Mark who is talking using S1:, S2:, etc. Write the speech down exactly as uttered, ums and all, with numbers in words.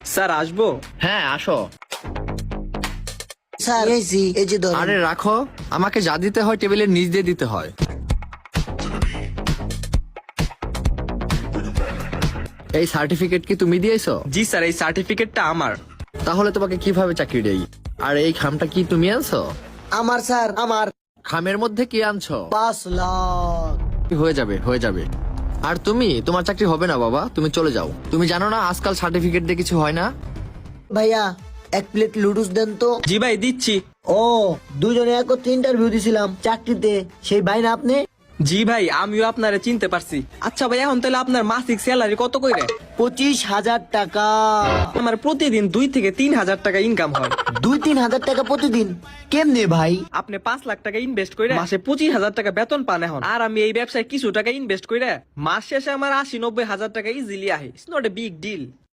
S1: Sir আসবো?
S2: হ্যাঁ আসো।
S3: স্যার এসি এই যে ধরেন।
S2: আরে রাখো, আমাকে যা দিতে হয় টেবিলের নিচ দিয়ে দিতে হয়। এই সার্টিফিকেট কি তুমি দিয়েছো?
S1: জি স্যার, এই সার্টিফিকেটটা আমার।
S2: তাহলে তোমাকে কিভাবে চাকরি দেই? আর এই খামটা কি তুমি আনছো?
S3: আমার স্যার আমার
S2: খামের মধ্যে কি আনছো?
S3: পাঁচ লাখ।
S2: হয়ে যাবে হয়ে যাবে। আর তুমি, তোমার চাকরি হবে না বাবা, তুমি চলে যাও। তুমি জানো না আজকাল সার্টিফিকেট দিয়ে কিছু হয় না।
S3: ভাইয়া এক প্লেট লুডুস দেন তো।
S1: জি ভাই দিচ্ছি।
S3: ও দুজনে একত্রে ইন্টারভিউ দিছিলাম চাকরিতে, সেই ভাই না আপনি?
S1: জি ভাই, আমিও আপনারে চিনতে পারছি। আচ্ছা ভাই, এখন তাহলে আপনার মাসিক স্যালারি কত কইরে?
S3: পঁচিশ হাজার টাকা।
S1: আমার প্রতিদিন দুই থেকে তিন হাজার টাকা ইনকাম হয়।
S3: দুই তিন হাজার টাকা প্রতিদিন কেমনে ভাই?
S1: আপনি পাঁচ লাখ টাকা ইনভেস্ট করে মাসে পঁচিশ হাজার টাকা বেতন পান এখন। আর আমি এই ব্যবসায় কিছু টাকা ইনভেস্ট করে মাস শেষে আমার আশি নব্বই হাজার টাকা ইজিলি আহে। It's not a big deal.